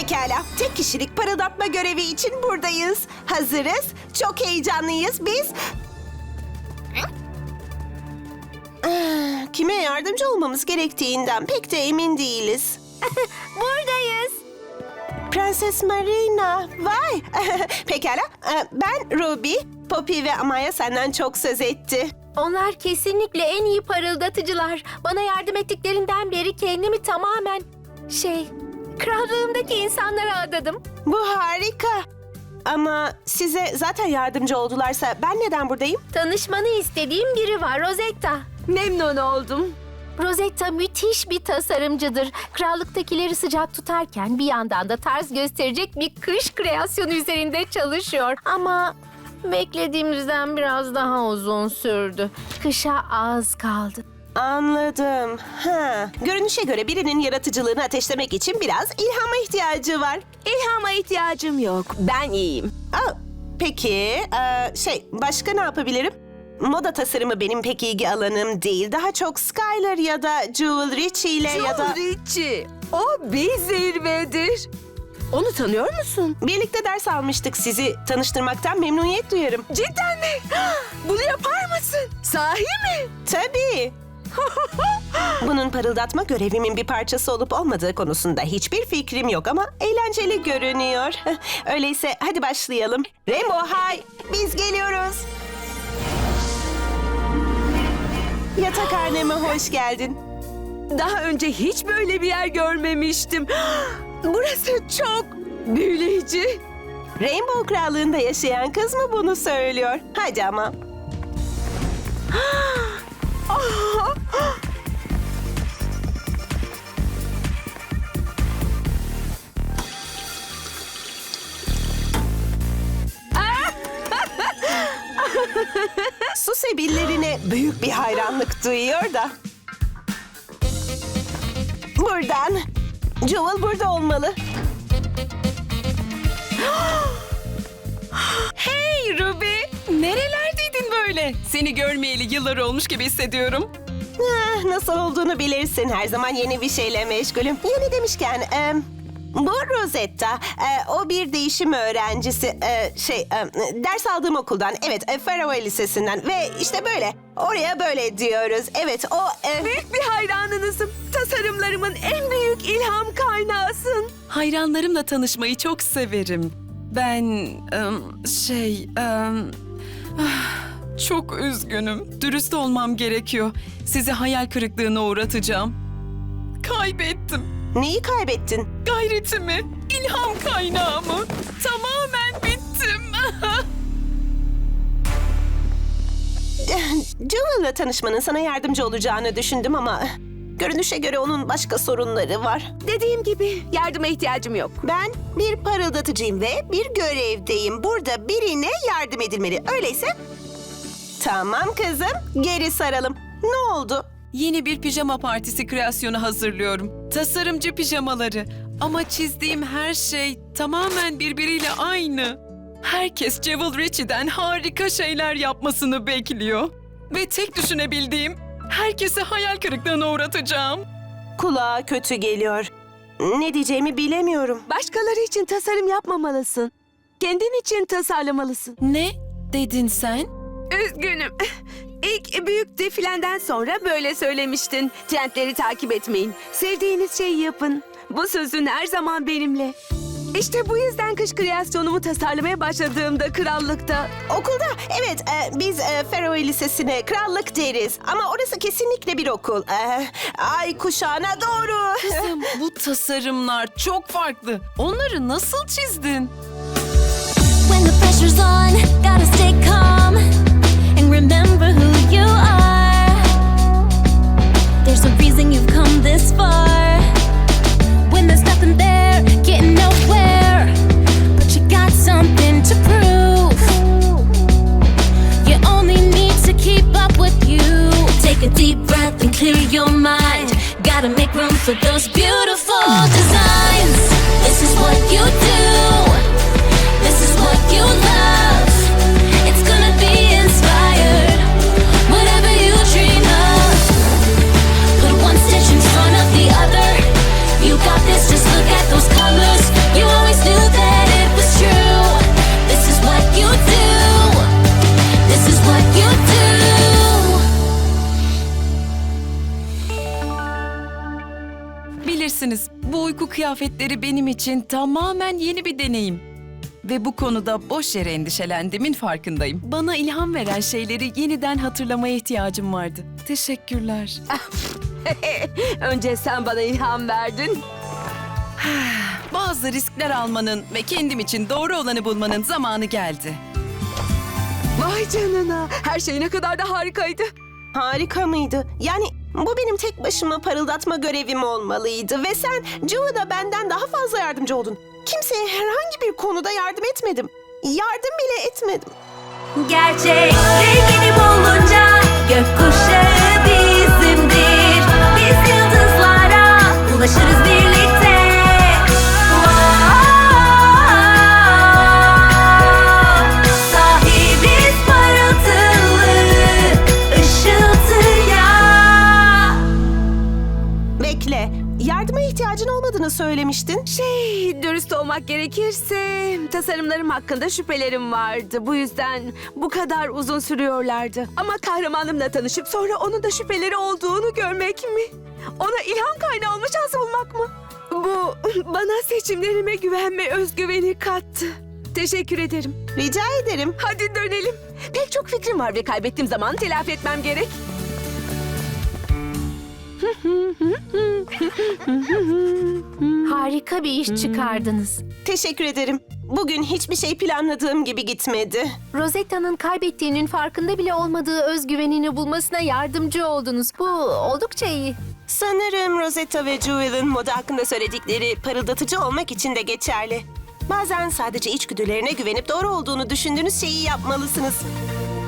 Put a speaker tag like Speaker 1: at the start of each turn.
Speaker 1: Pekala, tek kişilik parıldatma görevi için buradayız. Hazırız, çok heyecanlıyız biz. Kime yardımcı olmamız gerektiğinden pek de emin değiliz.
Speaker 2: Buradayız.
Speaker 1: Prenses Marina, vay! Pekala, ben Ruby, Poppy ve Amaya senden çok söz etti.
Speaker 2: Onlar kesinlikle en iyi parıldatıcılar. Bana yardım ettiklerinden beri kendimi tamamen krallığımdaki insanlara adadım.
Speaker 1: Bu harika. Ama size zaten yardımcı oldularsa ben neden buradayım?
Speaker 2: Tanışmanı istediğim biri var, Rosetta.
Speaker 3: Memnun oldum.
Speaker 2: Rosetta müthiş bir tasarımcıdır. Krallıktakileri sıcak tutarken bir yandan da tarz gösterecek bir kış kreasyonu üzerinde çalışıyor. Ama beklediğimizden biraz daha uzun sürdü. Kışa az kaldı.
Speaker 1: Anladım. Görünüşe göre birinin yaratıcılığını ateşlemek için biraz ilhama ihtiyacı var.
Speaker 3: İlhama ihtiyacım yok. Ben iyiyim.
Speaker 1: Peki, başka ne yapabilirim? Moda tasarımı benim pek ilgi alanım değil. Daha çok Skylar ya da Jewel Richie ile ya da...
Speaker 3: Richie. O bir zirvedir. Onu tanıyor musun?
Speaker 1: Birlikte ders almıştık. Sizi tanıştırmaktan memnuniyet duyarım.
Speaker 3: Cidden mi? Bunu yapar mısın? Sahi mi?
Speaker 1: Tabii. Bunun parıldatma görevimin bir parçası olup olmadığı konusunda hiçbir fikrim yok ama eğlenceli görünüyor. Öyleyse hadi başlayalım. Rainbow High, biz geliyoruz. Yatakhaneme hoş geldin.
Speaker 3: Daha önce hiç böyle bir yer görmemiştim. Burası çok büyüleyici.
Speaker 1: Rainbow Krallığı'nda yaşayan kız mı bunu söylüyor? Hadi ama. Su sebillerine büyük bir hayranlık duyuyor da. Buradan. Jewel burada olmalı.
Speaker 4: Hey Ruby! Nerelerdeydin böyle? Seni görmeyeli yıllar olmuş gibi hissediyorum.
Speaker 1: Nasıl olduğunu bilirsin. Her zaman yeni bir şeyle meşgulüm. Yeni demişken... bu Rosetta. O bir değişim öğrencisi. Ders aldığım okuldan. Evet, Faroe Lisesi'nden. Ve işte böyle. Oraya böyle diyoruz. Evet, o...
Speaker 3: Büyük bir hayranınızım. Tasarımlarımın en büyük ilham kaynağısın.
Speaker 4: Hayranlarımla tanışmayı çok severim. Ben... çok üzgünüm. Dürüst olmam gerekiyor. Sizi hayal kırıklığına uğratacağım. Kaybettim.
Speaker 1: Neyi kaybettin?
Speaker 4: Gayretimi, ilham kaynağımı. Tamamen bittim.
Speaker 1: Jewel'la tanışmanın sana yardımcı olacağını düşündüm ama... Görünüşe göre onun başka sorunları var.
Speaker 3: Dediğim gibi yardıma ihtiyacım yok.
Speaker 1: Ben bir parıldatıcıyım ve bir görevdeyim. Burada birine yardım edilmeli. Öyleyse... Tamam kızım, geri saralım. Ne oldu?
Speaker 4: Yeni bir pijama partisi kreasyonu hazırlıyorum. Tasarımcı pijamaları. Ama çizdiğim her şey tamamen birbiriyle aynı. Herkes Jewel Richie'den harika şeyler yapmasını bekliyor. Ve tek düşünebildiğim, herkesi hayal kırıklığına uğratacağım.
Speaker 1: Kulağa kötü geliyor. Ne diyeceğimi bilemiyorum.
Speaker 3: Başkaları için tasarım yapmamalısın. Kendin için tasarlamalısın.
Speaker 4: Ne dedin sen?
Speaker 3: Üzgünüm. İlk büyük defilenden sonra böyle söylemiştin. Trendleri takip etmeyin. Sevdiğiniz şeyi yapın. Bu sözün her zaman benimle. İşte bu yüzden kış kreasyonumu tasarlamaya başladığımda krallıkta...
Speaker 1: Okulda, evet, biz Faroe Lisesi'ne krallık deriz. Ama orası kesinlikle bir okul. Ay kuşağına doğru.
Speaker 4: Kızım, bu tasarımlar çok farklı. Onları nasıl çizdin?
Speaker 5: When the pressure's on, gotta stay calm and remember who you are. There's a reason you've come this far. When there's nothing there, getting nowhere, but you got something to prove. You only need to keep up with you. Take a deep breath and clear your mind. Gotta make room for those beautiful designs. This is what you do. This is what you love. It's gonna be inspired. Whatever you dream of, put one stitch in front of the other. You got this, just look at those colors.
Speaker 4: misiniz? Bu uyku kıyafetleri benim için tamamen yeni bir deneyim. Ve bu konuda boş yere endişelendiğimin farkındayım. Bana ilham veren şeyleri yeniden hatırlamaya ihtiyacım vardı. Teşekkürler.
Speaker 3: Önce sen bana ilham verdin.
Speaker 4: Bazı riskler almanın ve kendim için doğru olanı bulmanın zamanı geldi.
Speaker 3: Vay canına. Her şey ne kadar da harikaydı.
Speaker 1: Harika mıydı? Yani bu benim tek başıma parıldatma görevim olmalıydı. Ve sen Joe'da benden daha fazla yardımcı oldun. Kimseye herhangi bir konuda yardım etmedim. Yardım bile etmedim.
Speaker 5: Gerçek rengini bulunca gökkuşağı bizimdir. Biz yıldızlara ulaşırız birlikte. Sahibiz parıltılı ışıltıya.
Speaker 1: Bekle. Yardıma ihtiyacın olmadığını söylemiştin.
Speaker 3: Dürüst olmak gerekirse tasarımlarım hakkında şüphelerim vardı. Bu yüzden bu kadar uzun sürüyorlardı. Ama kahramanımla tanışıp sonra onun da şüpheleri olduğunu görmek mi? Ona ilham kaynağı olma şansı bulmak mı? Bu bana seçimlerime güvenme özgüveni kattı. Teşekkür ederim.
Speaker 1: Rica ederim.
Speaker 3: Hadi dönelim. Pek çok fikrim var ve kaybettiğim zaman telafi etmem gerek.
Speaker 2: Harika bir iş çıkardınız.
Speaker 1: Teşekkür ederim. Bugün hiçbir şey planladığım gibi gitmedi.
Speaker 2: Rosetta'nın kaybettiğinin farkında bile olmadığı özgüvenini bulmasına yardımcı oldunuz. Bu oldukça iyi.
Speaker 1: Sanırım Rosetta ve Jewel'ın moda hakkında söyledikleri parıldatıcı olmak için de geçerli. Bazen sadece içgüdülerine güvenip doğru olduğunu düşündüğünüz şeyi yapmalısınız.